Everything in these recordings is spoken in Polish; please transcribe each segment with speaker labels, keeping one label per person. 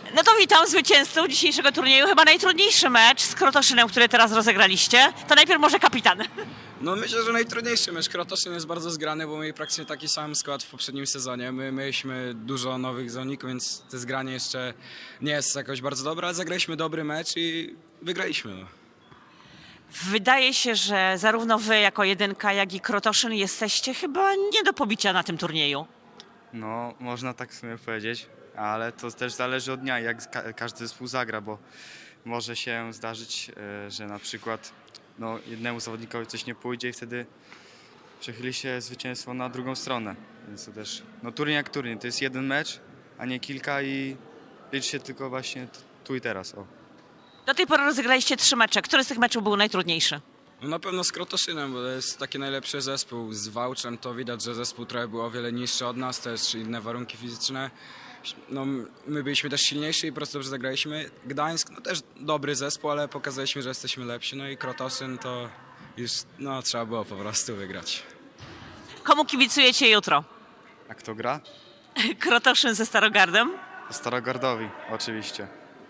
Speaker 1: No to witam zwycięzców dzisiejszego turnieju. Chyba najtrudniejszy mecz z Krotoszynem, który teraz rozegraliście. To najpierw może kapitan.
Speaker 2: No myślę, że najtrudniejszy mecz. Krotoszyn jest bardzo zgrany, bo mieli praktycznie taki sam skład w poprzednim sezonie. My mieliśmy dużo nowych zawodników, więc to zgranie jeszcze nie jest jakoś bardzo dobre, ale zagraliśmy dobry mecz i wygraliśmy. No.
Speaker 1: Wydaje się, że zarówno wy jako jedynka, jak i Krotoszyn jesteście chyba nie do pobicia na tym turnieju.
Speaker 3: No, można tak w sumie powiedzieć, ale to też zależy od dnia, jak każdy zespół zagra, bo może się zdarzyć, że na przykład jednemu zawodnikowi coś nie pójdzie i wtedy przechyli się zwycięstwo na drugą stronę. Więc to też, turniej jak turniej, to jest jeden mecz, a nie kilka i liczy się tylko właśnie tu i teraz. O.
Speaker 1: Do tej pory rozegraliście 3 mecze. Który z tych meczów był najtrudniejszy?
Speaker 2: No na pewno z Krotoszynem, bo to jest taki najlepszy zespół. Z Wałczem to widać, że zespół trochę był o wiele niższy od nas, też inne warunki fizyczne. No, my byliśmy też silniejsi i po prostu dobrze zagraliśmy. Gdańsk, no też dobry zespół, ale pokazaliśmy, że jesteśmy lepsi. No i Krotoszyn to już trzeba było po prostu wygrać.
Speaker 1: Komu kibicujecie jutro?
Speaker 3: A kto gra?
Speaker 1: Krotoszyn ze Starogardem?
Speaker 3: Starogardowi, oczywiście.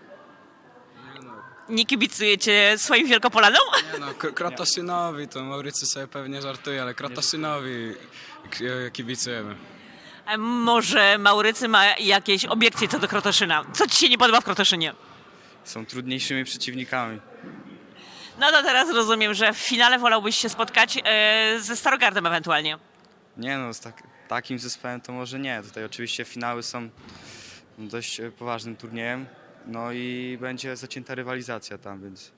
Speaker 1: Nie kibicujecie swoim Wielkopolanom?
Speaker 2: Nie no, Krotoszynowi, to Maurycy sobie pewnie żartuje, ale Krotoszynowi kibicujemy.
Speaker 1: A może Maurycy ma jakieś obiekcje co do Krotoszyna? Co ci się nie podoba w Krotoszynie?
Speaker 3: Są trudniejszymi przeciwnikami.
Speaker 1: No to teraz rozumiem, że w finale wolałbyś się spotkać ze Starogardem ewentualnie.
Speaker 3: Nie no, z takim zespołem to może nie. Tutaj oczywiście finały są dość poważnym turniejem. No i będzie zacięta rywalizacja tam, więc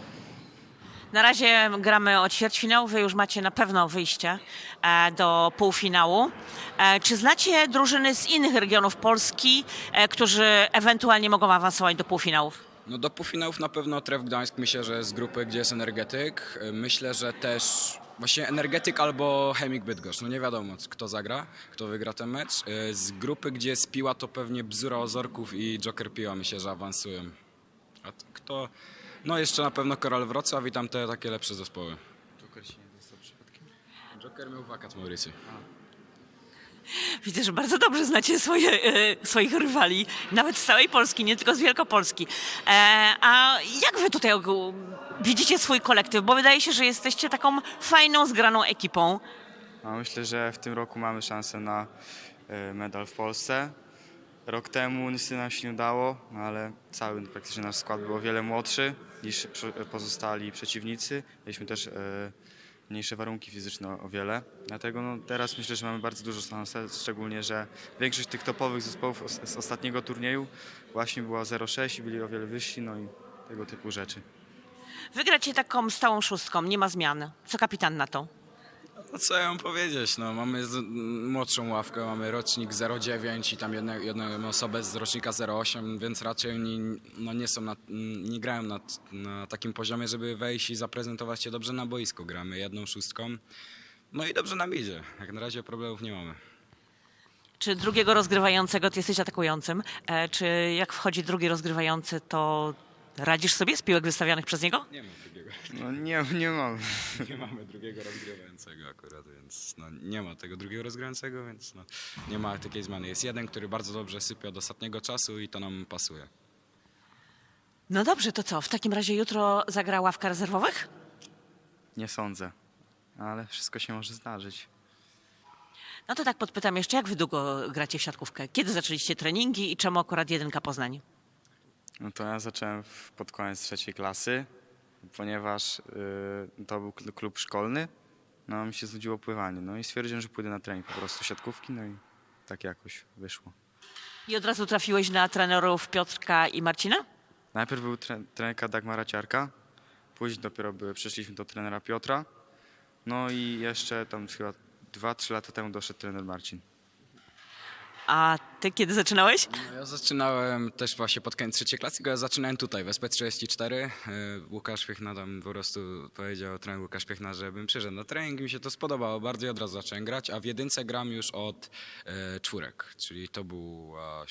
Speaker 1: Na razie gramy o ćwierćfinał, wy już macie na pewno wyjście do półfinału. Czy znacie drużyny z innych regionów Polski, którzy ewentualnie mogą awansować do półfinałów?
Speaker 2: No do półfinałów na pewno Tref Gdańsk, myślę, że z grupy, gdzie jest Energetyk. Myślę, że też właśnie Energetyk albo Chemik Bydgoszcz. No nie wiadomo, kto zagra, kto wygra ten mecz. Z grupy, gdzie jest Piła, to pewnie Bzura Ozorków i Joker Piła, myślę, że awansują. A kto? No jeszcze na pewno Koral Wrocław i tam te takie lepsze zespoły.
Speaker 3: Joker się nie dostał przypadkiem.
Speaker 2: Joker miał wakat w Mauricy.
Speaker 1: Widzę, że bardzo dobrze znacie swoich rywali, nawet z całej Polski, nie tylko z Wielkopolski. A jak wy tutaj widzicie swój kolektyw? Bo wydaje się, że jesteście taką fajną, zgraną ekipą.
Speaker 3: No, myślę, że w tym roku mamy szansę na medal w Polsce. Rok temu niestety nam się nie udało, ale cały praktycznie nasz skład był o wiele młodszy niż pozostali przeciwnicy. Mieliśmy też mniejsze warunki fizyczne o wiele. Dlatego teraz myślę, że mamy bardzo dużo szansę, szczególnie, że większość tych topowych zespołów z ostatniego turnieju właśnie była 0,6 i byli o wiele wyżsi, no i tego typu rzeczy.
Speaker 1: Wygracie taką stałą szóstką, nie ma zmian. Co kapitan na to?
Speaker 2: No co ja mam powiedzieć, mamy młodszą ławkę, mamy rocznik 09 i tam jedną osobę z rocznika 08, więc raczej oni nie grają na takim poziomie, żeby wejść i zaprezentować się dobrze na boisku. Gramy jedną szóstką, no i dobrze nam idzie. Jak na razie problemów nie mamy.
Speaker 1: Czy drugiego rozgrywającego ty jesteś atakującym? Czy jak wchodzi drugi rozgrywający, to radzisz sobie z piłek wystawianych przez niego?
Speaker 2: Nie ma drugiego.
Speaker 3: No nie mam.
Speaker 2: Nie mamy drugiego rozgrywającego akurat, więc nie ma tego drugiego rozgrywającego, więc nie ma takiej zmiany. Jest jeden, który bardzo dobrze sypie od ostatniego czasu i to nam pasuje.
Speaker 1: No dobrze, to co? W takim razie jutro zagra ławka rezerwowych?
Speaker 3: Nie sądzę, ale wszystko się może zdarzyć.
Speaker 1: No to tak podpytam jeszcze, jak wy długo gracie w siatkówkę? Kiedy zaczęliście treningi i czemu akurat jedynka Poznań?
Speaker 3: No to ja zacząłem pod koniec 3. klasy, ponieważ to był klub szkolny, no mi się znudziło pływanie, no i stwierdziłem, że pójdę na trening po prostu siatkówki, no i tak jakoś wyszło.
Speaker 1: I od razu trafiłeś na trenerów Piotrka i Marcina?
Speaker 3: Najpierw był trenerka Dagmara Ciarka, później dopiero przeszliśmy do trenera Piotra, no i jeszcze tam chyba 2-3 lata temu doszedł trener Marcin.
Speaker 1: A ty kiedy zaczynałeś?
Speaker 2: No ja zaczynałem też właśnie pod koniec 3. klasy, tylko ja zaczynałem tutaj w SP34. Łukasz Piechna tam po prostu powiedział, trener Łukasz Piechna, żebym przyszedł na trening, mi się to spodobało bardzo i od razu zacząłem grać, a w jedynce gram już od 4, czyli to była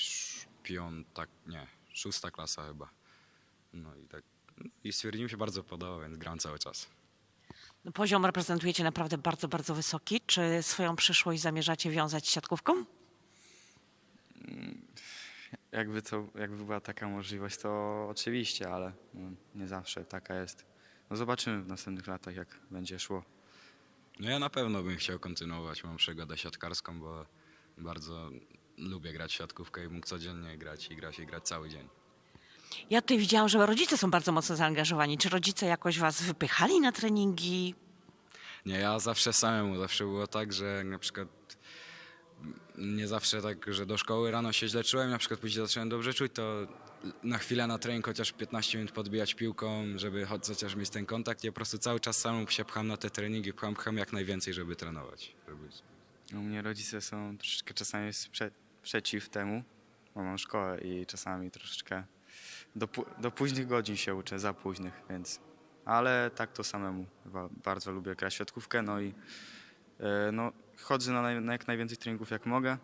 Speaker 2: 6. klasa chyba. No i tak, i stwierdziłem, się bardzo podoba, więc gram cały czas.
Speaker 1: No, poziom reprezentujecie naprawdę bardzo, bardzo wysoki. Czy swoją przyszłość zamierzacie wiązać z siatkówką?
Speaker 3: jakby była taka możliwość, to oczywiście, ale no, nie zawsze taka jest. No zobaczymy w następnych latach, jak będzie szło.
Speaker 2: No ja na pewno bym chciał kontynuować. Mam przygodę siatkarską, bo bardzo lubię grać w siatkówkę i mógł codziennie grać i grać cały dzień.
Speaker 1: Ja tutaj widziałam, że rodzice są bardzo mocno zaangażowani. Czy rodzice jakoś was wypychali na treningi?
Speaker 2: Nie, ja zawsze samemu. Zawsze było tak, że na przykład nie zawsze tak, że do szkoły rano się źle czułem, na przykład później zacząłem dobrze czuć, to na chwilę na trening chociaż 15 minut podbijać piłką, żeby chociaż mieć ten kontakt. Ja po prostu cały czas samemu się pcham na te treningi, pcham jak najwięcej, żeby trenować.
Speaker 3: U mnie rodzice są troszeczkę czasami przeciw temu, bo mam szkołę i czasami troszeczkę do późnych godzin się uczę, za późnych, więc... Ale tak to samemu. Bardzo lubię grać w siatkówkę, no i no, chodzę na jak najwięcej treningów jak mogę.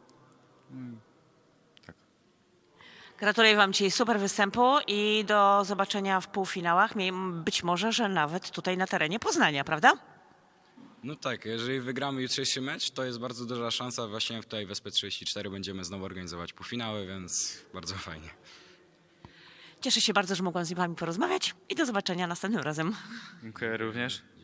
Speaker 1: Gratuluję wam dzisiaj super występu i do zobaczenia w półfinałach. Być może, że nawet tutaj na terenie Poznania, prawda?
Speaker 2: No tak, jeżeli wygramy jutrzejszy mecz, to jest bardzo duża szansa. Właśnie tutaj w SP34 będziemy znowu organizować półfinały, więc bardzo fajnie.
Speaker 1: Cieszę się bardzo, że mogłam z wami porozmawiać i do zobaczenia następnym razem.
Speaker 3: Dziękuję również.